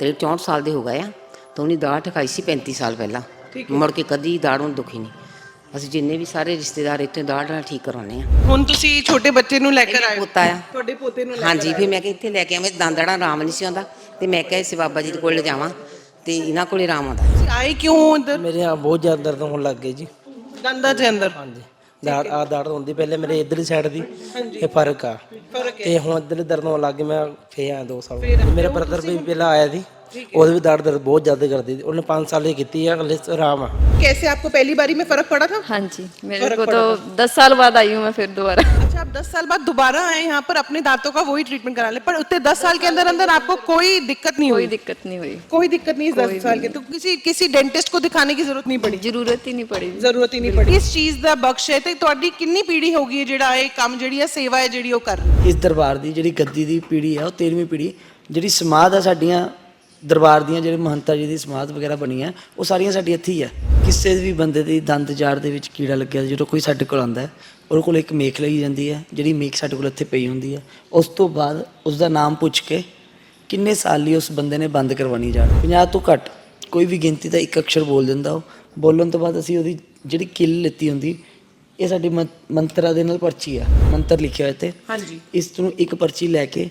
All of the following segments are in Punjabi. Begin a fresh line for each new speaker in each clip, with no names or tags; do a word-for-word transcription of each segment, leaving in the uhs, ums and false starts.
करीब चौंठ साल के हो गए आ तो उन्हें दाड़ ठकाई सी पैंती साल पहला मुड़ के कदी दाड़ ਹੁਣ दुखी नहीं। ਅਸੀਂ ਜਿੰਨੇ ਵੀ ਸਾਰੇ ਰਿਸ਼ਤੇਦਾਰ ਇੱਥੇ ਦਾੜ ਨਾਲ ਠੀਕ ਕਰਾਉਂਦੇ ਆ।
ਹੁਣ ਤੁਸੀਂ ਛੋਟੇ ਬੱਚੇ ਨੂੰ ਲੈ ਕੇ ਆਏ ਹੋ?
ਪੋਤਾ ਆ
ਤੁਹਾਡੇ ਪੋਤੇ ਨੂੰ ਲੈ ਕੇ
ਹਾਂਜੀ। ਫਿਰ ਮੈਂ ਕਿ ਇੱਥੇ ਲੈ ਕੇ ਆਵਾਂ ਦੰਦੜਾ ਆਰਾਮ ਨਹੀਂ ਸੀ ਆਉਂਦਾ ਤੇ ਮੈਂ ਕਿਹਾ ਇਸੇ ਬਾਬਾ ਜੀ ਦੇ ਕੋਲ ਲਿਜਾਵਾਂ ਤੇ ਇਹਨਾਂ ਕੋਲੇ ਆਰਾਮ ਆਉਂਦਾ।
ਤੁਸੀਂ ਆਏ ਕਿਉਂ ਹੋ ਇੱਧਰ?
ਮੇਰੇ यहाँ बहुत ज़्यादा दर्द होने लग गई जी।
ਦੰਦਾਂ ਦੇ ਅੰਦਰ?
हाँ जी दाड़ आ दर्द होती पहले मेरे इधरली साइड दी ये फर्क आ
फर्क
ते हुण इधरली दर्द होने लग गई। मैं फिर आया दो साल मेरा ब्रदर भी पहला आया थी ਉਹਦੇ ਵੀ ਦਰਦ ਦਰਦ ਬਹੁਤ ਜ਼ਿਆਦਾ ਕਰਦੀ थी। ਉਹਨੇ पाँच साल ही ਕੀਤੀ है हले आराम है।
कैसे आपको पहली बारी में फर्क पड़ा था?
हाँ जी मेरे को तो दस साल बाद आई हूँ मैं फिर दोबारा।
अच्छा आप दस साल बाद दोबारा आए यहाँ पर अपने दांतों का वही ट्रीटमेंट करा ले, पर उतने दस साल के अंदर अंदर आपको कोई दिक्कत नहीं
कोई
हुई?
दिक्कत नहीं हुई,
कोई दिक्कत नहीं इस दस साल के? तो किसी किसी डेंटिस्ट को दिखाने की जरूरत नहीं पड़ी?
जरूरत ही नहीं पड़ी।
ਜ਼ਰੂਰਤ ਹੀ ਨਹੀਂ ਪੜੀ। ਇਸ ਚੀਜ਼ ਦਾ ਬਖਸ਼ ਹੈ ਤੇ ਤੁਹਾਡੀ ਕਿੰਨੀ ਪੀੜ੍ਹੀ ਹੋ ਗਈ ਹੈ ਜਿਹੜਾ ਇਹ ਕੰਮ ਜਿਹੜੀ ਹੈ ਸੇਵਾ ਹੈ ਜਿਹੜੀ ਉਹ ਕਰ ਰਹੀ ਹੈ?
ਇਸ ਦਰਬਾਰ ਦੀ ਜਿਹੜੀ ਗੱਦੀ ਦੀ ਪੀੜ੍ਹੀ ਆ ਉਹ ਤੇਰਵੀਂ ਪੀੜ੍ਹੀ। ਜਿਹੜੀ ਸਮਾਧ ਆ ਸਾਡੀਆਂ ਦਰਬਾਰ ਦੀਆਂ ਜਿਹੜੇ ਮਹੰਤਾ ਜੀ ਦੀ ਸਮਾਧ ਵਗੈਰਾ ਬਣੀ ਹੈ ਉਹ ਸਾਰੀਆਂ ਸਾਡੀ ਇੱਥੇ ਹੀ ਆ। ਕਿਸੇ ਵੀ ਬੰਦੇ ਦੀ ਦੰਦ ਜਾੜ ਦੇ ਵਿੱਚ ਕੀੜਾ ਲੱਗਿਆ ਜਦੋਂ ਕੋਈ ਸਾਡੇ ਕੋਲ ਆਉਂਦਾ ਉਹਦੇ ਕੋਲ ਇੱਕ ਮੇਖ ਲਈ ਜਾਂਦੀ ਹੈ। ਜਿਹੜੀ ਮੇਖ ਸਾਡੇ ਕੋਲ ਇੱਥੇ ਪਈ ਹੁੰਦੀ ਹੈ ਉਸ ਤੋਂ ਬਾਅਦ ਉਸ ਦਾ ਨਾਮ ਪੁੱਛ ਕੇ ਕਿੰਨੇ ਸਾਲ ਲਈ ਉਸ ਬੰਦੇ ਨੇ ਬੰਦ ਕਰਵਾਉਣੀ ਜਾੜ। ਪੰਜਾਹ ਤੋਂ ਘੱਟ ਕੋਈ ਵੀ ਗਿਣਤੀ ਦਾ ਇੱਕ ਅਕਸ਼ਰ ਬੋਲ ਦਿੰਦਾ ਉਹ ਬੋਲਣ ਤੋਂ ਬਾਅਦ ਅਸੀਂ ਉਹਦੀ ਜਿਹੜੀ ਕਿੱਲ ਲਿੱਤੀ ਹੁੰਦੀ ਇਹ ਸਾਡੀ ਮੰਤਰਾਂ ਦੇ ਨਾਲ ਪਰਚੀ ਆ ਮੰਤਰ ਲਿਖਿਆ ਹੋਇਆ ਤੇ
ਹਾਂਜੀ
ਇਸ ਨੂੰ ਇੱਕ ਪਰਚੀ ਲੈ ਕੇ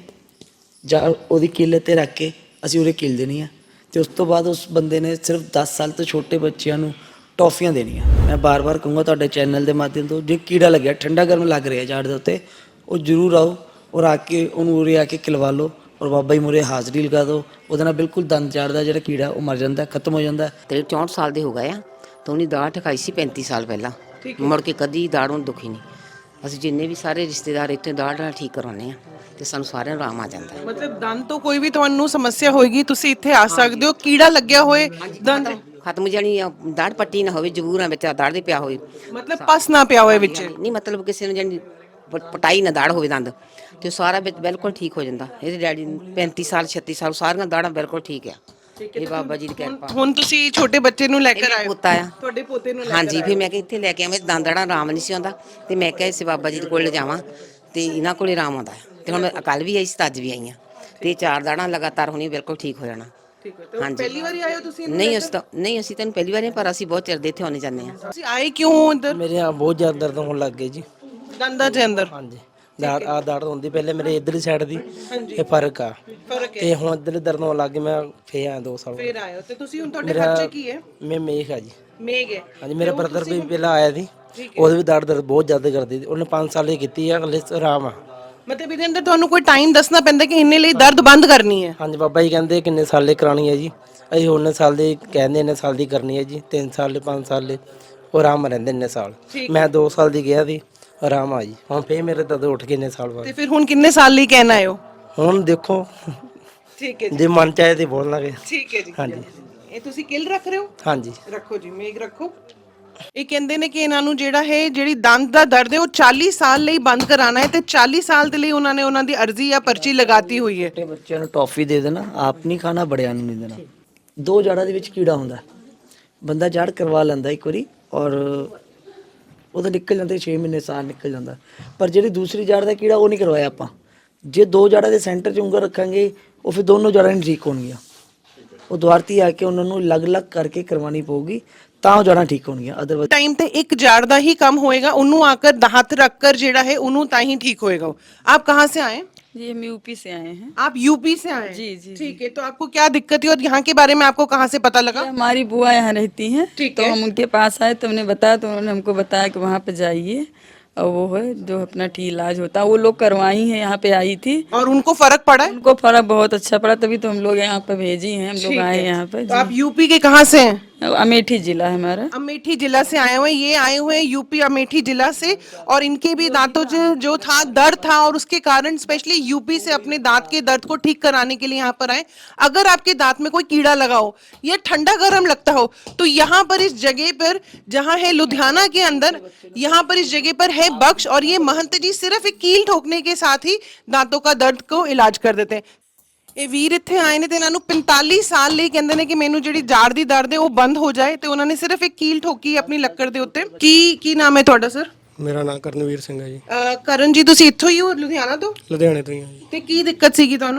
ਜਾਂ ਉਹਦੀ ਕਿੱਲ ਤੇ ਰੱਖ ਕੇ ਅਸੀਂ ਉਹਦੇ ਕਿੱਲ ਦੇਣੀ ਆ ਤੇ ਉਸ ਤੋਂ ਬਾਅਦ ਉਸ ਬੰਦੇ ਨੇ ਸਿਰਫ ਦਸ ਸਾਲ ਤੋਂ ਛੋਟੇ ਬੱਚਿਆਂ ਨੂੰ ਟੌਫੀਆਂ ਦੇਣੀਆਂ। ਮੈਂ ਬਾਰ-ਬਾਰ ਕਹੂੰਗਾ ਤੁਹਾਡੇ ਚੈਨਲ ਦੇ ਮਾਧਿਅਮ ਤੋਂ ਜੇ ਕੀੜਾ ਲੱਗਿਆ ਠੰਡਾ ਗਰਮ ਲੱਗ ਰਿਹਾ ਜਾੜ ਦੇ ਉੱਤੇ ਉਹ ਜ਼ਰੂਰ ਆਓ ਔਰ ਆ ਕੇ ਉਹਨੂੰ ਉਰੇ ਆ ਕੇ ਖਿਲਵਾ ਲਓ ਔਰ ਬਾਬਾ ਜੀ ਮੂਹਰੇ ਹਾਜ਼ਰੀ ਲਗਾ ਦਿਓ। ਉਹਦੇ ਨਾਲ ਬਿਲਕੁਲ ਦੰਦ ਜਾੜ ਦਾ ਜਿਹੜਾ ਕੀੜਾ ਉਹ ਮਰ ਜਾਂਦਾ ਖਤਮ ਹੋ ਜਾਂਦਾ।
ਕਰੀਬ ਚੌਂਠ ਸਾਲ ਦੇ ਹੋ ਗਏ ਆ ਤਾਂ ਉਹਨੇ ਦਾੜ ਠਕਾਈ ਸੀ ਪੈਂਤੀ ਸਾਲ ਪਹਿਲਾਂ ਮੁੜ ਕੇ ਕਦੀ ਦਾੜ ਹੁਣ ਦੁਖੀ ਨਹੀਂ। ਅਸੀਂ ਜਿੰਨੇ ਵੀ ਸਾਰੇ ਰਿਸ਼ਤੇਦਾਰ ਇੱਥੇ ਦਾੜ ਨਾਲ ਠੀਕ ਕਰਾਉਂਦੇ ਆ ਤੇ ਸਾਨੂੰ ਸਾਰਿਆਂ ਨੂੰ ਆਰਾਮ ਆ ਜਾਂਦਾ ਹੈ।
ਮਤਲਬ ਦੰਦ ਤੋਂ ਕੋਈ ਵੀ ਤੁਹਾਨੂੰ ਸਮੱਸਿਆ ਹੋਏਗੀ ਤੁਸੀਂ ਇੱਥੇ ਆ ਸਕਦੇ ਹੋ। ਕੀੜਾ ਲੱਗਿਆ ਹੋਏ ਦੰਦ
ਖਤਮ ਜਾਣੀ ਦਾੜ ਪੱਟੀ ਨਾ ਹੋਵੇ ਜ਼ਰੂਰ ਆ ਵਿੱਚ ਦਾੜ ਦੇ ਪਿਆ ਹੋਵੇ
ਮਤਲਬ ਪਸ ਨਾ ਪਿਆ ਹੋਏ ਵਿੱਚ
ਨਹੀਂ ਮਤਲਬ ਕਿਸੇ ਨੂੰ ਜਾਨੀ ਪ- ਪਟਾਈ ਨਾ ਦਾੜ ਹੋਵੇ ਦੰਦ ਤੇ ਉਹ ਸਾਰਾ ਵਿੱਚ ਬਿਲਕੁਲ ਠੀਕ ਹੋ ਜਾਂਦਾ। ਇਹਦੇ ਡੈਡੀ ਨੂੰ ਪੈਂਤੀ ਸਾਲ ਛੱਤੀ ਸਾਲ ਸਾਰੀਆਂ ਦਾੜਾਂ ਬਿਲਕੁਲ ਠੀਕ ਆ। ਇਹ ਬਾਬਾ ਜੀ ਦੀ ਕਿਰਪਾ।
ਹੁਣ ਤੁਸੀਂ ਛੋਟੇ ਬੱਚੇ ਨੂੰ ਲੈ ਕੇ ਆਏ ਹੋ?
ਪੋਤਾ ਆ
ਤੁਹਾਡੇ ਪੋਤੇ ਨੂੰ ਲੈ
ਹਾਂਜੀ। ਫਿਰ ਮੈਂ ਕਿ ਇੱਥੇ ਲੈ ਕੇ ਆਵਾਂ ਦੰਦੜਾ ਆਰਾਮ ਨਹੀਂ ਸੀ ਆਉਂਦਾ ਤੇ ਮੈਂ ਕਿਹਾ ਇਸੇ ਬਾਬਾ ਜੀ ਦੇ ਕੋਲ ਲਿਜਾਵਾਂ ਤੇ ਇਹਨਾਂ ਕੋਲ ਆਰਾਮ ਆਉਂਦਾ ਤੇ ਹੁਣ ਮੈਂ ਕੱਲ ਵੀ ਆਈ ਸੀ ਅੱਜ ਵੀ ਆਈ ਆ ਤੇ ਚਾਰ ਦਾੜਾਂ ਲਗਾਤਾਰ ਹੋਣੀ ਬਿਲਕੁਲ ਠੀਕ ਹੋ ਜਾਣਾ।
ਠੀਕ ਹੈ। ਤੇ ਪਹਿਲੀ ਵਾਰੀ ਆਏ ਹੋ ਤੁਸੀਂ?
ਨਹੀਂ ਅਸੀਂ ਤਾਂ ਨਹੀਂ ਅਸੀਂ ਤਾਂ ਪਹਿਲੀ ਵਾਰ ਪਰ ਅਸੀਂ ਬਹੁਤ ਚਿਰ ਦੇ ਇੱਥੇ ਆਉਣੇ ਜਾਂਦੇ ਆ।
ਤੁਸੀਂ ਆਏ ਕਿਉਂ ਹੋ ਇੱਧਰ?
ਮੇਰੇ यहाँ बहुत ज़्यादा दर्द होने लग गई जी।
ਦੰਦਾਂ ਦੇ ਅੰਦਰ?
हाँ जी दाड़ आ दर्द होती पहले मेरे इधरली साइड दी ये फर्क आ
ਫਰਕ ਹੈ।
ਤੇ ਹੁਣ ਇਧਰਲੀ ਦਰਦ ਹੋਣ ਲੱਗ ਗਈ। ਮੈਂ ਫੇਰ ਆਇਆ ਦੋ ਸਾਲ
ਫਿਰ ਆਏ ਹੋ ਤੇ ਤੁਸੀਂ ਹੁਣ ਤੁਹਾਡੇ ਬੱਚੇ ਕੀ ਹੈ?
ਮੈਂ ਮੇਖ ਆ ਜੀ।
ਮੇਗ ਹੈ?
ਹਾਂਜੀ ਮੇਰਾ ਬ੍ਰਦਰ ਵੀ ਪਹਿਲਾਂ ਆਇਆ ਸੀ ਉਹਦੇ ਵੀ ਦਰਦ ਦਰਦ ਬਹੁਤ ਜ਼ਿਆਦਾ ਕਰਦੀ ਸੀ। ਉਹਨੇ ਪੰਜ ਸਾਲ ਹੀ ਕੀਤੀ ਆ ਹਲੇ ਆਰਾਮ ਆ।
ਮਤਲਬ ਇਹਦੇ ਅੰਦਰ ਤੁਹਾਨੂੰ ਕੋਈ ਟਾਈਮ ਦੱਸਣਾ ਪੈਂਦਾ ਕਿ ਇੰਨੇ ਲਈ ਦਰਦ ਬੰਦ ਕਰਨੀ ਹੈ?
ਹਾਂਜੀ ਬਾਬਾ ਜੀ ਕਹਿੰਦੇ ਕਿੰਨੇ ਸਾਲ ਦੀ ਕਰਾਣੀ ਹੈ ਜੀ। ਅਸੀਂ ਉਹਨੇ ਸਾਲ ਦੀ ਕਹਿੰਦੇ ਇੰਨੇ ਸਾਲ ਦੀ ਕਰਨੀ ਹੈ ਜੀ। ਤਿੰਨ ਸਾਲ ਦੇ ਪੰਜ ਸਾਲ ਦੇ ਉਹ ਆਰਾਮ ਰਹਿੰਦੇ ਇੰਨੇ ਸਾਲ। ਮੈਂ ਦੋ ਸਾਲ ਦੀ ਗਿਆ ਸੀ ਆਰਾਮ ਆ ਜੀ। ਹੁਣ ਫੇਰ ਮੇਰੇ ਦਰਦ ਉੱਠ ਗਏ ਇੰਨੇ ਸਾਲ ਬਾਅਦ।
ਤੇ ਫਿਰ ਹੁਣ ਕਿੰਨੇ ਸਾਲ ਲਈ ਕਹਿਣਾ ਆਇਓ?
ਹੁਣ ਦੇਖੋ
ਠੀਕ ਹੈ ਜੀ।
ਜੇ ਮਨ ਚਾਹੇ ਤੇ ਬੋਲ ਲਾਂਗੇ।
ਠੀਕ ਹੈ ਜੀ।
ਹਾਂਜੀ
ਇਹ ਤੁਸੀਂ ਕਿਲ ਰੱਖ ਰਹੇ ਹੋ?
ਹਾਂਜੀ
ਰੱਖੋ ਜੀ ਮੇਗ ਰੱਖੋ। ਇਹ ਕਹਿੰਦੇ ਨੇ ਕਿ ਇਹਨਾਂ ਨੂੰ ਜਿਹੜਾ ਹੈ ਜਿਹੜੀ ਦੰਦ ਦਾ ਦਰਦ ਹੈ ਉਹ ਚਾਲੀ ਸਾਲ ਲਈ ਬੰਦ ਕਰਾਣਾ ਹੈ ਤੇ ਚਾਲੀ ਸਾਲ ਦੇ ਲਈ ਉਹਨਾਂ ਨੇ ਉਹਨਾਂ ਦੀ ਅਰਜ਼ੀ ਜਾਂ ਪਰਚੀ ਲਗਾਤੀ ਹੋਈ ਹੈ।
ਛੋਟੇ ਬੱਚਿਆਂ ਨੂੰ ਟੌਫੀ ਦੇ ਦੇਣਾ ਆਪ ਨਹੀਂ ਖਾਣਾ ਬੜਿਆਂ ਨੂੰ ਨਹੀਂ ਦੇਣਾ। ਦੋ ਜੜਾਂ ਦੇ ਵਿੱਚ ਕੀੜਾ ਹੁੰਦਾ ਬੰਦਾ ਜੜ ਕਰਵਾ ਲੈਂਦਾ ਇੱਕ ਵਾਰੀ ਔਰ ਉਹਦਾ ਨਿਕਲ ਜਾਂਦੇ ਛੇ ਮਹੀਨੇ ਸਾਲ ਨਿਕਲ ਜਾਂਦਾ। ਪਰ ਜਿਹੜੀ ਦੂਸਰੀ ਜੜ ਦਾ ਕੀੜਾ ਉਹ ਨਹੀਂ ਕਰਵਾਇਆ ਆਪਾਂ। ਜੇ ਦੋ ਜੜਾਂ ਦੇ ਸੈਂਟਰ 'ਚ ਉਂਗਲ ਰੱਖਾਂਗੇ ਉਹ ਫਿਰ ਦੋਨੋਂ ਜੜਾਂ ਨਹੀਂ ਠੀਕ ਹੋਣਗੀਆਂ। ਉਹ ਦੁਆਰਤੀ ਆ ਕੇ ਉਹਨਾਂ ਨੂੰ ਅਲੱਗ-ਅਲੱਗ ਕਰਕੇ ਕਰਵਾਉਣੀ ਪਊਗੀ ਤਾਂ ਉਹ ਜੜਾਂ ਠੀਕ ਹੋਣਗੀਆਂ। ਅਦਰਵਾਈਜ਼
ਟਾਈਮ ਤੇ ਇੱਕ ਜੜ ਦਾ ਹੀ ਕੰਮ ਹੋਏਗਾ ਉਹਨੂੰ ਆकर ਹੱਥ ਰੱਖ कर ਜਿਹੜਾ ਹੈ ਉਹਨੂੰ ਤਾਂ ਹੀ ठीक होएगा। आप कहाँ से आए?
जी हम यूपी से आए हैं।
आप यूपी से आए?
जी जी
ठीक है। तो आपको क्या दिक्कत है और यहाँ के बारे में आपको कहाँ से पता लगा?
हमारी बुआ यहाँ रहती हैं
ठीक
तो
है।
हम उनके पास आए तो उन्होंने बताया तो उन्होंने हमको बताया कि वहाँ पे जाइए और वो है जो अपना ठीक इलाज होता है वो लोग करवाई हैं। यहाँ पे आई थी
और उनको फर्क पड़ा है?
उनको फर्क बहुत अच्छा पड़ा तभी तो हम लोग यहाँ पे भेजी हैं। हम लोग आए यहाँ पे।
तो आप यूपी के कहाँ से हैं?
अमेठी जिला है हमारा।
अमेठी जिला से आए हुए हैं। ये आए हुए हैं यूपी अमेठी जिला से और इनके भी दांतों से जो था दर्द था और उसके कारण स्पेशली यूपी से अपने दांत के दर्द को ठीक कराने के लिए यहाँ पर आए। अगर आपके दांत में कोई कीड़ा लगा हो या ठंडा गर्म लगता हो तो यहाँ पर इस जगह पर जहाँ है लुधियाना के अंदर यहाँ पर इस जगह पर है बख्श और ये महंत जी सिर्फ एक कील ठोकने के साथ ही दांतों का दर्द को इलाज कर देते हैं। ਇਹ ਵੀਰ ਇੱਥੇ ਆਏ ਨੇ ਤੇ ਇਹਨਾਂ ਨੂੰ पैंतालीस ਸਾਲ ਲਈ ਕਹਿੰਦੇ ਨੇ ਕਿ ਮੈਨੂੰ ਜਿਹੜੀ ਜਾੜ ਦੀ ਦਰਦ ਹੈ ਉਹ ਬੰਦ ਹੋ ਜਾਏ ਤੇ ਉਹਨਾਂ ਨੇ ਸਿਰਫ ਇੱਕ ਕੀਲ ਠੋਕੀ ਆਪਣੀ ਲੱਕੜ ਦੇ ਉੱਤੇ। ਕੀ ਕੀ ਨਾਮ ਹੈ ਤੁਹਾਡਾ ਸਰ?
ਮੇਰਾ ਨਾਮ ਕਰਨਵੀਰ ਸਿੰਘ ਹੈ ਜੀ।
ਕਰਨ ਜੀ ਤੁਸੀਂ ਇੱਥੋਂ ਹੀ ਹੋ ਲੁਧਿਆਣਾ ਤੋਂ?
ਲੁਧਿਆਣੇ ਤੋਂ ਹੀ ਹਾਂ ਜੀ।
ਤੇ ਕੀ ਦਿੱਕਤ ਸੀਗੀ ਤੁਹਾਨੂੰ?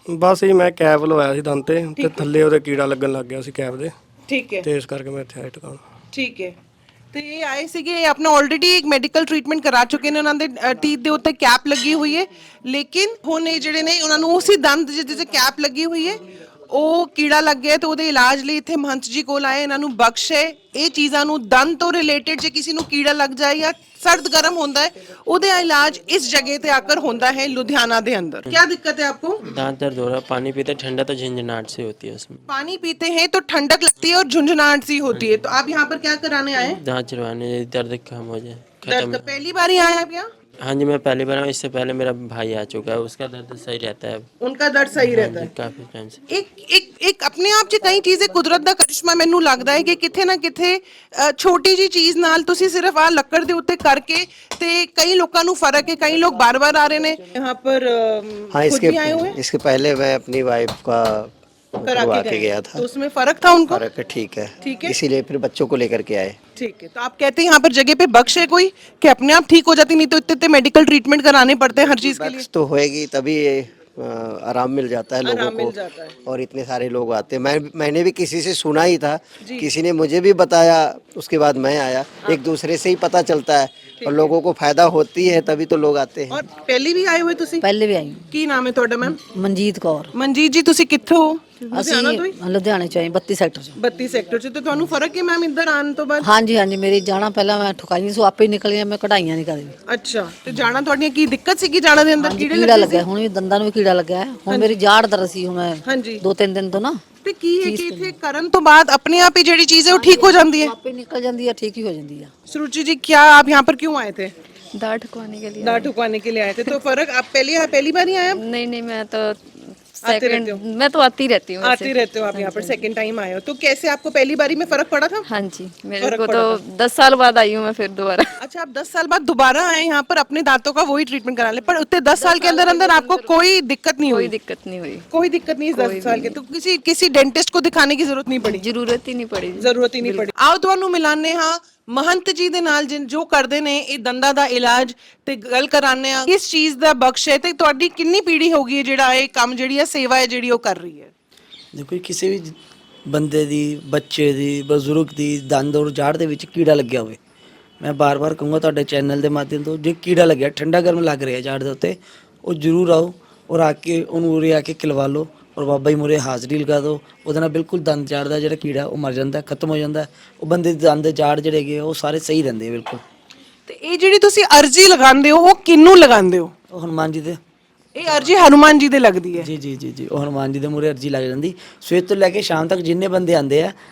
ਬਸ ਜੀ ਮੈਂ ਕੈਬ ਲਵਾਇਆ ਸੀ ਦੰਦ ਤੇ ਤੇ ਥੱਲੇ ਉਹਦੇ ਕੀੜਾ ਲੱਗਣ ਲੱਗ ਗਿਆ ਸੀ ਕੈਬ ਦੇ,
ਠੀਕ ਹੈ
ਤੇ ਇਸ ਕਰਕੇ ਮੈਂ ਇੱਥੇ ਆਇਆ ਟਿਕਾਣਾ।
ਠੀਕ ਹੈ। ਤੇ ਇਹ ਆਏ ਸੀਗੇ, ਇਹ ਆਪਣਾ ਆਲਰੇਡੀ ਇੱਕ ਮੈਡੀਕਲ ਟ੍ਰੀਟਮੈਂਟ ਕਰਾ ਚੁੱਕੇ ਨੇ, ਉਹਨਾਂ ਦੇ ਟੀਥ ਦੇ ਉੱਤੇ ਕੈਪ ਲੱਗੀ ਹੋਈ ਹੈ, ਲੇਕਿਨ ਹੁਣ ਇਹ ਜਿਹੜੇ ਨੇ ਉਹਨਾਂ ਨੂੰ ਉਸੇ ਦੰਦ ਜਿਹਦੇ ਤੇ ਕੈਪ ਲੱਗੀ ਹੋਈ ਹੈ ਉਹ ਕੀੜਾ ਲੱਗ ਗਿਆ ਤੇ ਉਹਦੇ ਇਲਾਜ ਲਈ ਇੱਥੇ ਮਹੰਤ ਜੀ ਕੋਲ ਆਏ, ਇਹਨਾਂ ਨੂੰ ਬਖਸ਼ ਹੈ। ਇਹ ਚੀਜ਼ਾਂ ਨੂੰ ਦੰਦ ਤੋਂ ਰਿਲੇਟਡ ਜੇ ਕਿਸੇ ਨੂੰ ਕੀੜਾ ਲੱਗ ਜਾਏ ਜਾਂ सर्द गर्म होता है ਉਹਦੇ इलाज इस जगह पे आकर होता है लुधियाना के अंदर। क्या दिक्कत है आपको?
दांत दर्द हो रहा है, पानी पीते ठंडा तो झंझनाहट से होती है उसमें।
पानी पीते हैं तो ठंडक लगती है और झुंझुनाहट सी होती है। तो आप यहाँ पर क्या कराने आए?
दांत चिरवाने, दर्द कम हो जाए,
दर्द
खत्म।
का पहली बार ही आए आप यहाँ?
हाँ जी मैं पहली बार आया, इससे पहले मेरा भाई आ चुका है, उसका दर्द सही रहता है अब।
उनका दर्द सही रहता
हाँ
है
जी, काफी टाइम से।
ਇੱਕ ਇੱਕ ਇੱਕ ਆਪਣੇ ਆਪ 'ਚ ਕਈ ਚੀਜ਼ਾਂ ਕੁਦਰਤ ਦਾ ਕਰਿਸ਼ਮਾ ਮੈਨੂੰ ਲੱਗਦਾ ਹੈ ਕਿ ਕਿਥੇ ਨਾ ਕਿਥੇ ਅ, ਛੋਟੀ ਜੀ ਚੀਜ਼ ਨਾਲ ਤੁਸੀਂ ਸਿਰਫ ਆ ਲੱਕੜ ਦੇ ਉੱਤੇ ਕਰਕੇ ਤੇ ਕਈ ਲੋਕਾਂ ਨੂੰ ਫਰਕ ਹੈ, ਕਈ ਲੋਕ ਬਾਰ-ਬਾਰ ਆ ਰਹੇ ਨੇ यहाँ पर अ,
हाँ
खुद
इसके
भी आए हुए हैं?
इसके पहले मैं अपनी वाइफ का
करा
करवा
के
के
गए।
गया
तो
था,
उसमें फर्क था उनको?
फर्क है, ठीक है
ठीक है।
इसीलिए फिर बच्चों को लेकर के आए।
ठीक है। तो आप कहते हैं यहाँ पर जगह पे बख्श है कोई कि अपने आप ठीक हो जाती, नहीं तो इतने इतने मेडिकल ट्रीटमेंट कराने पड़ते हैं हर चीज के लिए।
बख्श तो होएगी तभी अ, आराम मिल जाता है लोगों
आराम मिल
को,
जाता है।
और इतने सारे लोग आते हैं। मैं मैंने भी किसी से सुना ही था, किसी ने मुझे भी बताया, उसके बाद मैं आया। एक दूसरे से ही पता चलता है और लोगों को फायदा होती है तभी तो लोग आते हैं।
और पहले भी आए हुए ਤੁਸੀਂ?
ਪਹਿਲੇ ਵੀ ਆਈ
ਕੀ ਨਾਮ ਹੈ ਤੁਹਾਡਾ ਮੈਮ?
ਮਨਜੀਤ ਕੌਰ।
ਮਨਜੀਤ ਜੀ ਤੁਸੀਂ ਕਿੱਥੋਂ ਹੋ?
ਅਸੀਂ
ਲੁਧਿਆਣਾ ਤੋਂ ਹੀ?
ਲੁਧਿਆਣੇ ਚ ਆਏ ਬੱਤੀ ਸੈਕਟਰ ਚ।
ਬੱਤੀ ਸੈਕਟਰ ਚ। ਤੇ ਤੁਹਾਨੂੰ ਫਰਕ ਹੈ ਮੈਮ ਇੱਧਰ ਆਉਣ ਤੋਂ ਬਾਅਦ?
ਹਾਂਜੀ ਹਾਂਜੀ ਮੇਰੀ ਜਾਣਾ ਪਹਿਲਾਂ ਮੈਂ ਠੁਕਾਈ ਸੋ ਆਪੇ ਹੀ ਨਿਕਲ ਗਿਆ, ਮੈਂ ਕਢਾਈਆਂ ਨਹੀਂ ਕਰਦੀ।
ਅੱਛਾ। ਤੇ ਜਾਣਾ ਤੁਹਾਡੀਆਂ ਕੀ ਦਿੱਕਤ ਸੀ ਕਿ ਜਾਣਾ ਦੇ ਅੰਦਰ ਕੀੜੇ
ਕੀੜਾ
ਲੱਗੇ
ਲੱਗਿਆ, ਹੁਣ ਵੀ ਦੰਦਾਂ ਨੂੰ ਵੀ ਕੀੜਾ ਲੱਗਿਆ ਹੈ। ਹੁਣ ਮੇਰੀ ਜਾੜ ਦਰਦ ਸੀ ਹੁਣ ਮੈਂ
ਹਾਂਜੀ।
ਦੋ ਤਿੰਨ ਦਿਨ ਤੋਂ ਨਾ
ਤੇ ਕੀ ਹੈ ਕਿ ਇੱਥੇ ਕਰਨ ਤੋਂ ਬਾਅਦ ਆਪਣੇ ਆਪ ਹੀ ਜਿਹੜੀ ਚੀਜ਼ ਹੈ ਉਹ ਠੀਕ ਹੋ ਜਾਂਦੀ ਹੈ?
ਆਪੇ ਨਿਕਲ ਜਾਂਦੀ ਹੈ, ਠੀਕ ਹੀ ਹੋ ਜਾਂਦੀ ਹੈ।
सुरुचि जी क्या आप यहाँ पर क्यों आए थे?
दाढ़ ठुकवाने के लिए।
दाढ़ ठुकवाने के लिए आए थे। तो फर्क आप पहले यहाँ पहली बार ही आए? आप
नहीं नहीं मैं तो
आते रहते हो?
मैं तो आती रहती हूँ
आते रहते हो आप यहाँ पर, सेकंड टाइम आए हो। तो कैसे आपको पहली बारी में फर्क पड़ा था?
हाँ जी मेरे
फर्क
को
पड़ा
तो दस साल बाद आई हूँ मैं फिर दोबारा।
अच्छा, आप दस साल बाद दोबारा आए यहाँ पर अपने दांतों का वही ट्रीटमेंट कराने, पर उतने दस साल के अंदर अंदर आपको कोई दिक्कत नहीं
कोई
हुई?
दिक्कत नहीं हुई,
कोई दिक्कत नहीं दस साल के। तो किसी किसी डेंटिस्ट को दिखाने की जरूरत नहीं पड़ी?
जरूरत ही नहीं पड़ी।
ਜ਼ਰੂਰਤ ਹੀ ਨਹੀਂ ਪੜੀ। ਆਓ ਤੁਹਾਨੂੰ ਮਿਲਾਨੇ ਹਾਂ ਮਹੰਤ ਜੀ ਦੇ ਨਾਲ ਜਿਨ ਜੋ ਕਰਦੇ ਨੇ ਇਹ ਦੰਦਾਂ ਦਾ ਇਲਾਜ, ਤੇ ਗੱਲ ਕਰਾਨੇ ਆ ਕਿਸ ਚੀਜ਼ ਦਾ ਬਖਸ਼ ਹੈ ਤੇ ਤੁਹਾਡੀ ਕਿੰਨੀ ਪੀੜ੍ਹੀ ਹੋ ਗਈ ਹੈ ਜਿਹੜਾ ਇਹ ਕੰਮ ਜਿਹੜੀ ਹੈ ਸੇਵਾ ਹੈ ਜਿਹੜੀ ਉਹ ਕਰ ਰਹੀ ਹੈ?
ਦੇਖੋ ਜੀ, ਕਿਸੇ ਵੀ ਬੰਦੇ ਦੀ, ਬੱਚੇ ਦੀ, ਬਜ਼ੁਰਗ ਦੀ ਦੰਦ ਔਰ ਜਾੜ ਦੇ ਵਿੱਚ ਕੀੜਾ ਲੱਗਿਆ ਹੋਵੇ, ਮੈਂ ਬਾਰ-ਬਾਰ ਕਹੂੰਗਾ ਤੁਹਾਡੇ ਚੈਨਲ ਦੇ ਮਾਧਿਅਮ ਤੋਂ, ਜੇ ਕੀੜਾ ਲੱਗਿਆ, ਠੰਡਾ ਗਰਮ ਲੱਗ ਰਿਹਾ ਜਾੜ ਦੇ ਉੱਤੇ, ਉਹ ਜ਼ਰੂਰ ਆਓ ਔਰ ਆ ਕੇ ਉਹਨੂੰ ਉਰੇ ਆ ਕੇ ਖਿਲਵਾ ਲਓ ਔਰ ਬਾਬਾ ਜੀ ਮੂਹਰੇ ਹਾਜ਼ਰੀ ਲਗਾ ਦਿਓ। ਉਹਦੇ ਨਾਲ ਬਿਲਕੁਲ ਦੰਦ ਜਾੜ ਦਾ ਜਿਹੜਾ ਕੀੜਾ ਉਹ ਮਰ ਜਾਂਦਾ, ਖਤਮ ਹੋ ਜਾਂਦਾ। ਉਹ ਬੰਦੇ ਦੇ ਦੰਦ ਜਾੜ ਜਿਹੜੇ ਹੈਗੇ ਉਹ ਸਾਰੇ ਸਹੀ ਰਹਿੰਦੇ ਆ ਬਿਲਕੁਲ।
ਤੇ ਇਹ ਜਿਹੜੀ ਤੁਸੀਂ ਅਰਜੀ ਲਗਾਉਂਦੇ ਹੋ ਉਹ ਕਿਹਨੂੰ ਲਗਾਉਂਦੇ ਹੋ?
ਉਹ ਹਨੂੰਮਾਨ ਜੀ ਦੇ,
ਇਹ ਅਰਜੀ ਹਨੂਮਾਨ ਜੀ ਦੇ ਲੱਗਦੀ ਹੈ?
ਜੀ ਜੀ ਜੀ ਜੀ ਉਹ ਹਨੂੰਮਾਨ ਜੀ ਦੇ ਮੂਹਰੇ ਅਰਜੀ ਲੱਗ ਜਾਂਦੀ। ਸਵੇਰ ਤੋਂ ਲੈ ਕੇ ਸ਼ਾਮ ਤੱਕ ਜਿੰਨੇ ਬੰਦੇ ਆਉਂਦੇ ਆ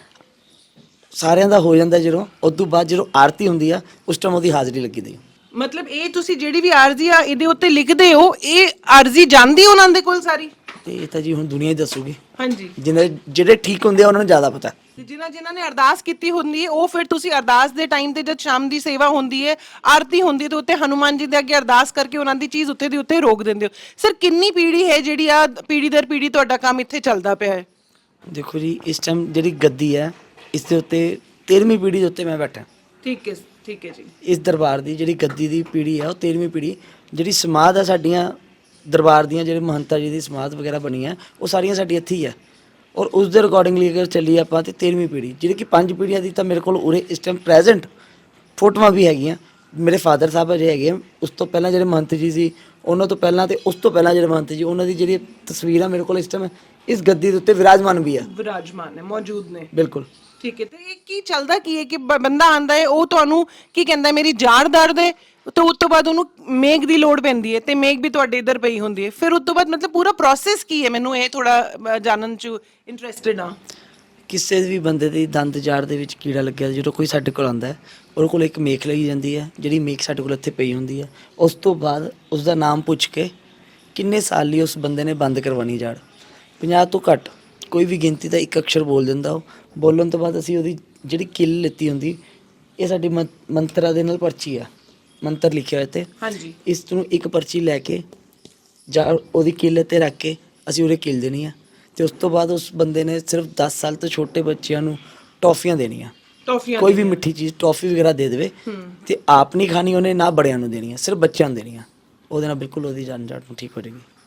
ਸਾਰਿਆਂ ਦਾ ਹੋ ਜਾਂਦਾ। ਜਦੋਂ ਉਸ ਤੋਂ ਬਾਅਦ ਜਦੋਂ ਆਰਤੀ ਹੁੰਦੀ ਆ ਉਸ ਟਾਈਮ ਉਹਦੀ ਹਾਜ਼ਰੀ ਲੱਗੀ ਦੀ।
ਮਤਲਬ ਇਹ ਤੁਸੀਂ ਜਿਹੜੀ ਵੀ ਅਰਜੀ ਆ ਇਹਦੇ ਉੱਤੇ ਲਿਖਦੇ ਹੋ, ਇਹ ਅਰਜੀ ਜਾਂਦੀ ਉਹਨਾਂ ਦੇ ਕੋਲ ਸਾਰੀ?
ਤੇ ਇਹ ਤਾਂ ਜੀ ਹੁਣ ਦੁਨੀਆ ਹੀ ਦੱਸੂਗੀ।
ਹਾਂਜੀ।
ਜਿਹਨੇ ਜਿਹੜੇ ਠੀਕ ਹੁੰਦੇ ਆ ਉਹਨਾਂ ਨੂੰ ਜ਼ਿਆਦਾ ਪਤਾ।
ਤੇ ਜਿਨ੍ਹਾਂ ਜਿਨ੍ਹਾਂ ਨੇ ਅਰਦਾਸ ਕੀਤੀ ਹੁੰਦੀ ਹੈ ਉਹ ਫਿਰ ਤੁਸੀਂ ਅਰਦਾਸ ਦੇ ਟਾਈਮ ਤੇ ਜਦ ਸ਼ਾਮ ਦੀ ਸੇਵਾ ਹੁੰਦੀ ਹੈ, ਆਰਤੀ ਹੁੰਦੀ ਹੈ, ਤੇ ਉੱਤੇ ਹਨੂੰਮਾਨ ਜੀ ਦੇ ਅੱਗੇ ਅਰਦਾਸ ਕਰਕੇ ਉਹਨਾਂ ਦੀ ਚੀਜ਼ ਉੱਤੇ ਦੀ ਉੱਤੇ ਰੋਕ ਦਿੰਦੇ ਹੋ। ਸਰ ਕਿੰਨੀ ਪੀੜ੍ਹੀ ਹੈ ਜਿਹੜੀ ਆ ਪੀੜ੍ਹੀ ਦਰ ਪੀੜ੍ਹੀ ਤੁਹਾਡਾ ਕੰਮ ਇੱਥੇ ਚੱਲਦਾ ਪਿਆ ਹੈ?
ਦੇਖੋ ਜੀ, ਇਸ ਟਾਈਮ ਜਿਹੜੀ ਗੱਦੀ ਹੈ ਇਸ ਦੇ ਉੱਤੇ ਤੇਰਵੀਂ ਪੀੜ੍ਹੀ ਦੇ ਉੱਤੇ ਮੈਂ ਬੈਠਾ।
ਠੀਕ ਹੈ, ਠੀਕ ਹੈ ਜੀ।
ਇਸ ਦਰਬਾਰ ਦੀ ਜਿਹੜੀ ਗੱਦੀ ਦੀ ਪੀੜ੍ਹੀ ਹੈ ਉਹ ਤੇਰਵੀਂ ਪੀੜ੍ਹੀ। ਜਿਹੜੀ ਸਮਾਧ ਹੈ ਸਾਡੀਆਂ ਦਰਬਾਰ ਦੀਆਂ, ਜਿਹੜੇ ਮਹੰਤਾ ਜੀ ਦੀ ਸਮਾਧ ਵਗੈਰਾ ਬਣੀ ਹੈ ਉਹ ਸਾਰੀਆਂ ਸਾਡੀ ਇੱਥੇ ਹੀ ਹੈ। ਔਰ ਉਸ ਦੇ ਅਕੋਰਡਿੰਗਲੀ ਅਗਰ ਚੱਲੀਏ ਆਪਾਂ ਤੇ ਤੇਰਵੀਂ ਪੀੜ੍ਹੀ, ਜਿਹੜੀ ਕਿ ਪੰਜ ਪੀੜ੍ਹੀਆਂ ਦੀ ਤਾਂ ਮੇਰੇ ਕੋਲ ਉਰੇ ਇਸ ਟਾਈਮ ਪ੍ਰੈਜ਼ੈਂਟ ਫੋਟੋਆਂ ਵੀ ਹੈਗੀਆਂ। ਮੇਰੇ ਫਾਦਰ ਸਾਹਿਬ ਅਜੇ ਹੈਗੇ ਆ, ਉਸ ਤੋਂ ਪਹਿਲਾਂ ਜਿਹੜੇ ਮਹੰਤ ਜੀ ਸੀ ਉਹਨਾਂ ਤੋਂ ਪਹਿਲਾਂ, ਤੇ ਉਸ ਤੋਂ ਪਹਿਲਾਂ ਜਿਹੜੇ ਮਹੰਤ ਜੀ, ਉਹਨਾਂ ਦੀ ਜਿਹੜੀ ਤਸਵੀਰਾਂ ਮੇਰੇ ਕੋਲ ਇਸ ਟਾਈਮ ਇਸ ਗੱਦੀ ਦੇ ਉੱਤੇ ਵਿਰਾਜਮਾਨ ਵੀ ਹੈ।
ਵਿਰਾਜਮਾਨ ਹੈ, ਮੌਜੂਦ ਨੇ?
ਬਿਲਕੁਲ।
ਠੀਕ ਹੈ। ਤੇ ਇਹ ਕੀ ਚੱਲਦਾ ਕੀ ਹੈ ਕਿ ਬ- ਬੰਦਾ ਆਂਦਾ ਹੈ ਉਹ ਤੁਹਾਨੂੰ ਕੀ ਕਹਿੰਦਾ ਮੇਰੀ ਜਾੜ ਦਰਦ ਹੈ, ਤੇ ਉਸ ਤੋਂ ਬਾਅਦ ਉਹਨੂੰ ਮੇਗ ਦੀ ਲੋੜ ਪੈਂਦੀ ਹੈ ਤੇ ਮੇਗ ਵੀ ਤੁਹਾਡੇ ਇੱਧਰ ਪਈ ਹੁੰਦੀ ਹੈ, ਫਿਰ ਉਸ ਤੋਂ ਬਾਅਦ ਮਤਲਬ ਪੂਰਾ ਪ੍ਰੋਸੈਸ ਕੀ ਹੈ? ਮੈਨੂੰ ਇਹ ਥੋੜਾ ਜਾਣਨ ਚ ਇੰਟਰਸਟਿਡ ਹਾਂ।
ਕਿਸੇ ਵੀ ਬੰਦੇ ਦੀ ਦੰਦ ਜਾੜ ਦੇ ਵਿੱਚ ਕੀੜਾ ਲੱਗਿਆ, ਜਦੋਂ ਕੋਈ ਸਾਡੇ ਕੋਲ ਆਉਂਦਾ ਹੈ ਉਹਦੇ ਕੋਲ ਇੱਕ ਮੇਖ ਲਈ ਜਾਂਦੀ ਹੈ, ਜਿਹੜੀ ਮੇਖ ਸਾਡੇ ਕੋਲ ਇੱਥੇ ਪਈ ਹੁੰਦੀ ਹੈ। ਉਸ ਤੋਂ ਬਾਅਦ ਉਸ ਦਾ ਨਾਮ ਪੁੱਛ ਕੇ ਕਿੰਨੇ ਸਾਲ ਲਈ ਉਸ ਬੰਦੇ ਨੇ ਬੰਦ ਕਰਵਾਉਣੀ ਜਾੜ, ਪੰਜਾਹ ਤੋਂ ਘੱਟ ਕੋਈ ਵੀ ਗਿਣਤੀ ਦਾ ਇੱਕ ਅਕਸ਼ਰ ਬੋਲ ਦਿੰਦਾ। ਉਹ ਬੋਲਣ ਤੋਂ ਬਾਅਦ ਅਸੀਂ ਉਹਦੀ ਜਿਹੜੀ ਕਿੱਲ ਲਿੱਤੀ ਹੁੰਦੀ, ਇਹ ਸਾਡੀ ਮੰ- ਮੰਤਰਾਂ ਦੇ ਨਾਲ ਪਰਚੀ ਆ, ਮੰਤਰ ਲਿਖਿਆ ਹੋਇਆ ਤੇ
ਹਾਂਜੀ।
ਇਸ ਨੂੰ ਇੱਕ ਪਰਚੀ ਲੈ ਕੇ ਜਾਂ ਉਹਦੀ ਕਿੱਲ ਤੇ ਰੱਖ ਕੇ ਅਸੀਂ ਉਹਦੇ ਕਿੱਲ ਦੇਣੀ ਆ। ਤੇ ਉਸ ਤੋਂ ਬਾਅਦ ਉਸ ਬੰਦੇ ਨੇ ਸਿਰਫ ਦਸ ਸਾਲ ਤੋਂ ਛੋਟੇ ਬੱਚਿਆਂ ਨੂੰ ਟੌਫੀਆਂ ਦੇਣੀਆਂ,
ਟੌਫੀਆਂ?
ਕੋਈ ਵੀ ਮਿੱਠੀ ਚੀਜ਼ ਟੌਫੀ ਵਗੈਰਾ ਦੇ ਦੇਵੇ ਤੇ ਆਪ ਨਹੀਂ ਖਾਣੀ ਉਹਨੇ, ਨਾ ਬੜਿਆਂ ਨੂੰ ਦੇਣੀ ਆ, ਸਿਰਫ ਬੱਚਿਆਂ ਨੂੰ ਦੇਣੀ ਆ। ਉਹਦੇ ਨਾਲ ਬਿਲਕੁਲ ਉਹਦੀ ਜਾਨ ਜਾੜ ਨੂੰ ਠੀਕ ਹੋ ਜਾਏਗੀ।
ਤੇ ਇੱਕ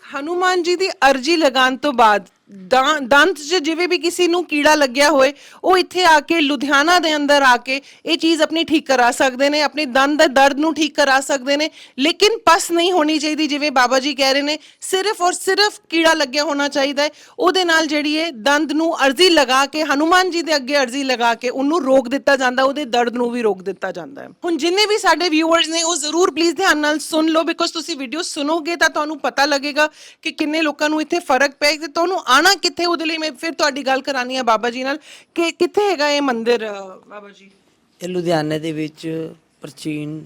ਹਨੂਮਾਨ ਜੀ ਦੀ ਅਰਜੀ ਲਗਾਉਣ ਤੋਂ ਬਾਅਦ ਦਾਂ- ਦੰਤ 'ਚ ਜਿਵੇਂ ਵੀ ਕਿਸੇ ਨੂੰ ਕੀੜਾ ਲੱਗਿਆ ਹੋਏ ਉਹ ਇੱਥੇ ਆ ਕੇ ਲੁਧਿਆਣਾ ਦੇ ਅੰਦਰ ਆ ਕੇ ਇਹ ਚੀਜ਼ ਆਪਣੀ ਠੀਕ ਕਰਾ ਸਕਦੇ ਨੇ, ਆਪਣੇ ਦੰਦ ਦੇ ਦਰਦ ਨੂੰ ਠੀਕ ਕਰਾ ਸਕਦੇ ਨੇ, ਲੇਕਿਨ ਪਸ ਨਹੀਂ ਹੋਣੀ ਚਾਹੀਦੀ। ਜਿਵੇਂ ਬਾਬਾ ਜੀ ਕਹਿ ਰਹੇ ਨੇ, ਸਿਰਫ ਔਰ ਸਿਰਫ ਕੀੜਾ ਲੱਗਿਆ ਹੋਣਾ ਚਾਹੀਦਾ ਹੈ। ਉਹਦੇ ਨਾਲ ਜਿਹੜੀ ਹੈ ਦੰਦ ਨੂੰ ਅਰਜੀ ਲਗਾ ਕੇ ਹਨੂਮਾਨ ਜੀ ਦੇ ਅੱਗੇ ਅਰਜੀ ਲਗਾ ਕੇ ਉਹਨੂੰ ਰੋਕ ਦਿੱਤਾ ਜਾਂਦਾ, ਉਹਦੇ ਦਰਦ ਨੂੰ ਵੀ ਰੋਕ ਦਿੱਤਾ ਜਾਂਦਾ ਹੈ। ਹੁਣ ਜਿੰਨੇ ਵੀ ਸਾਡੇ ਵਿਊਅਰਸ ਨੇ ਉਹ ਜ਼ਰੂਰ ਪਲੀਜ਼ ਧਿਆਨ ਨਾਲ ਸੁਣ ਲਓ, ਬਿਕੋਜ਼ ਤੁਸੀਂ ਵੀਡੀਓ ਸੁਣੋਗੇ ਤਾਂ ਤੁਹਾਨੂੰ ਪਤਾ ਲੱਗੇਗਾ ਕਿ ਕਿੰਨੇ ਲੋਕਾਂ ਨੂੰ ਇੱਥੇ ਫਰਕ ਪਿਆ ਤੇ ਤੁਹਾਨੂੰ ਆਣਾ ਕਿੱਥੇ। ਉਹਦੇ ਲਈ ਮੈਂ ਫਿਰ ਤੁਹਾਡੀ ਗੱਲ ਕਰਾਨੀ ਆ ਬਾਬਾ ਜੀ ਨਾਲ ਕਿ ਕਿੱਥੇ ਹੈਗਾ ਇਹ ਮੰਦਿਰ ਬਾਬਾ ਜੀ?
ਇਹ ਲੁਧਿਆਣੇ ਦੇ ਵਿੱਚ ਪ੍ਰਾਚੀਨ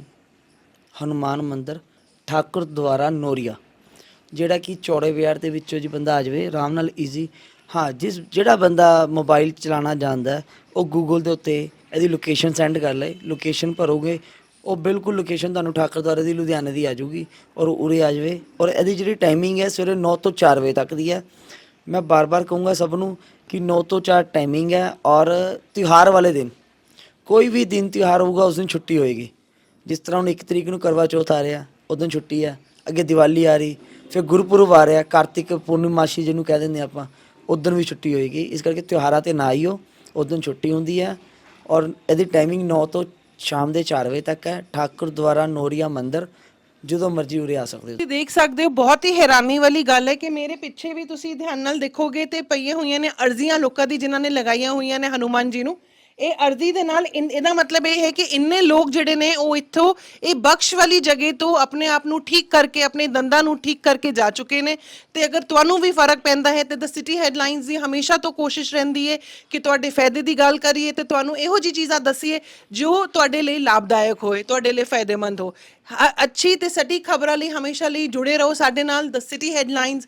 ਹਨੂਮਾਨ ਮੰਦਿਰ ਠਾਕੁਰ ਦੁਆਰਾ ਨੋਰੀਆ, ਜਿਹੜਾ ਕਿ ਚੌੜੇ ਬਾਜ਼ਾਰ ਦੇ ਵਿੱਚੋਂ ਜੀ ਬੰਦਾ ਆ ਜਾਵੇ ਆਰਾਮ ਨਾਲ ਈਜ਼ੀ। ਹਾਂ, ਜਿਸ ਜਿਹੜਾ ਬੰਦਾ ਮੋਬਾਈਲ ਚਲਾਉਣਾ ਜਾਣਦਾ ਹੈ, ਉਹ ਗੂਗਲ ਦੇ ਉੱਤੇ ਇਹਦੀ ਲੋਕੇਸ਼ਨ ਸੈਂਡ ਕਰ ਲਏ, ਲੋਕੇਸ਼ਨ ਭਰੋਗੇ ਉਹ ਬਿਲਕੁਲ ਲੋਕੇਸ਼ਨ ਤੁਹਾਨੂੰ ਠਾਕੁਰ ਦੁਆਰੇ ਦੀ ਲੁਧਿਆਣੇ ਦੀ ਆ ਜਾਊਗੀ ਔਰ ਉਰੇ ਆ ਜਾਵੇ। ਔਰ ਇਹਦੀ ਜਿਹੜੀ ਟਾਈਮਿੰਗ ਹੈ ਸਵੇਰੇ ਨੌ ਤੋਂ ਚਾਰ ਵਜੇ ਤੱਕ ਦੀ ਹੈ। ਮੈਂ ਬਾਰ-ਬਾਰ ਕਹੂੰਗਾ ਸਭ ਨੂੰ ਕਿ ਨੌ ਤੋਂ ਚਾਰ ਟਾਈਮਿੰਗ ਹੈ। ਔਰ ਤਿਉਹਾਰ ਵਾਲੇ ਦਿਨ, ਕੋਈ ਵੀ ਦਿਨ ਤਿਉਹਾਰ ਹੋਊਗਾ ਉਸ ਦਿਨ ਛੁੱਟੀ ਹੋਏਗੀ। ਜਿਸ ਤਰ੍ਹਾਂ ਹੁਣ ਇੱਕ ਤਰੀਕ ਨੂੰ ਕਰਵਾ ਚੌਥ ਆ ਰਿਹਾ, ਉਸ ਦਿਨ ਛੁੱਟੀ ਹੈ। ਅੱਗੇ ਦੀਵਾਲੀ ਆ ਰਹੀ, ਫਿਰ ਗੁਰਪੁਰਬ ਆ ਰਿਹਾ, ਕਾਰਤਿਕ ਪੂਰਨਿਮਾਸ਼ੀ ਜਿਹਨੂੰ ਕਹਿ ਦਿੰਦੇ ਆਪਾਂ, ਉਸ ਦਿਨ ਵੀ ਛੁੱਟੀ ਹੋਏਗੀ। ਇਸ ਕਰਕੇ ਤਿਉਹਾਰਾਂ 'ਤੇ ਨਾ ਆਈਓ, ਉਸ ਦਿਨ ਛੁੱਟੀ ਹੁੰਦੀ ਹੈ। ਔਰ ਇਹਦੀ ਟਾਈਮਿੰਗ ਨੌ ਤੋਂ ਸ਼ਾਮ ਦੇ ਚਾਰ ਵਜੇ ਤੱਕ ਹੈ। ਠਾਕੁਰ ਦੁਆਰਾ ਨੋਰੀਆ ਮੰਦਿਰ, ਜਦੋਂ ਮਰਜ਼ੀ ਉਰੇ ਆ ਸਕਦੇ ਹੋ।
ਤੁਸੀਂ ਦੇਖ ਸਕਦੇ ਹੋ, ਬਹੁਤ ਹੀ ਹੈਰਾਨੀ ਵਾਲੀ ਗੱਲ ਹੈ ਕਿ ਮੇਰੇ ਪਿੱਛੇ ਵੀ ਤੁਸੀਂ ਧਿਆਨ ਨਾਲ ਦੇਖੋਗੇ ਤੇ ਪਈਆਂ ਹੋਈਆਂ ਨੇ ਅਰਜ਼ੀਆਂ ਲੋਕਾਂ ਦੀ ਜਿਨ੍ਹਾਂ ਨੇ ਲਗਾਈਆਂ ਹੋਈਆਂ ਨੇ ਹਨੂਮਾਨ ਜੀ ਨੂੰ। ਇਹ ਅਰਜ਼ੀ ਦੇ ਨਾਲ ਇਨ- ਇਹਦਾ ਮਤਲਬ ਇਹ ਹੈ ਕਿ ਇੰਨੇ ਲੋਕ ਜਿਹੜੇ ਨੇ ਉਹ ਇੱਥੋਂ ਇਹ ਬਖਸ਼ ਵਾਲੀ ਜਗ੍ਹਾ ਤੋਂ ਆਪਣੇ ਆਪ ਨੂੰ ਠੀਕ ਕਰਕੇ, ਆਪਣੇ ਦੰਦਾਂ ਨੂੰ ਠੀਕ ਕਰਕੇ ਜਾ ਚੁੱਕੇ ਨੇ। ਤੇ ਅਗਰ ਤੁਹਾਨੂੰ ਵੀ ਫਰਕ ਪੈਂਦਾ ਹੈ ਤੇ ਦ ਸਿਟੀ ਹੈਡਲਾਈਨਸ ਦੀ ਹਮੇਸ਼ਾ ਤੋਂ ਕੋਸ਼ਿਸ਼ ਰਹਿੰਦੀ ਹੈ ਕਿ ਤੁਹਾਡੇ ਫਾਇਦੇ ਦੀ ਗੱਲ ਕਰੀਏ ਤੇ ਤੁਹਾਨੂੰ ਇਹੋ ਜਿਹੀ ਚੀਜ਼ਾਂ ਦੱਸੀਏ ਜੋ ਤੁਹਾਡੇ ਲਈ ਲਾਭਦਾਇਕ ਹੋਏ, ਤੁਹਾਡੇ ਲਈ ਫਾਇਦੇਮੰਦ ਹੋ। ਹ- ਅੱਛੀ ਤੇ ਸਟੀਕ ਖਬਰਾਂ ਲਈ ਹਮੇਸ਼ਾ ਲਈ ਜੁੜੇ ਰਹੋ ਸਾਡੇ ਨਾਲ। The city headlines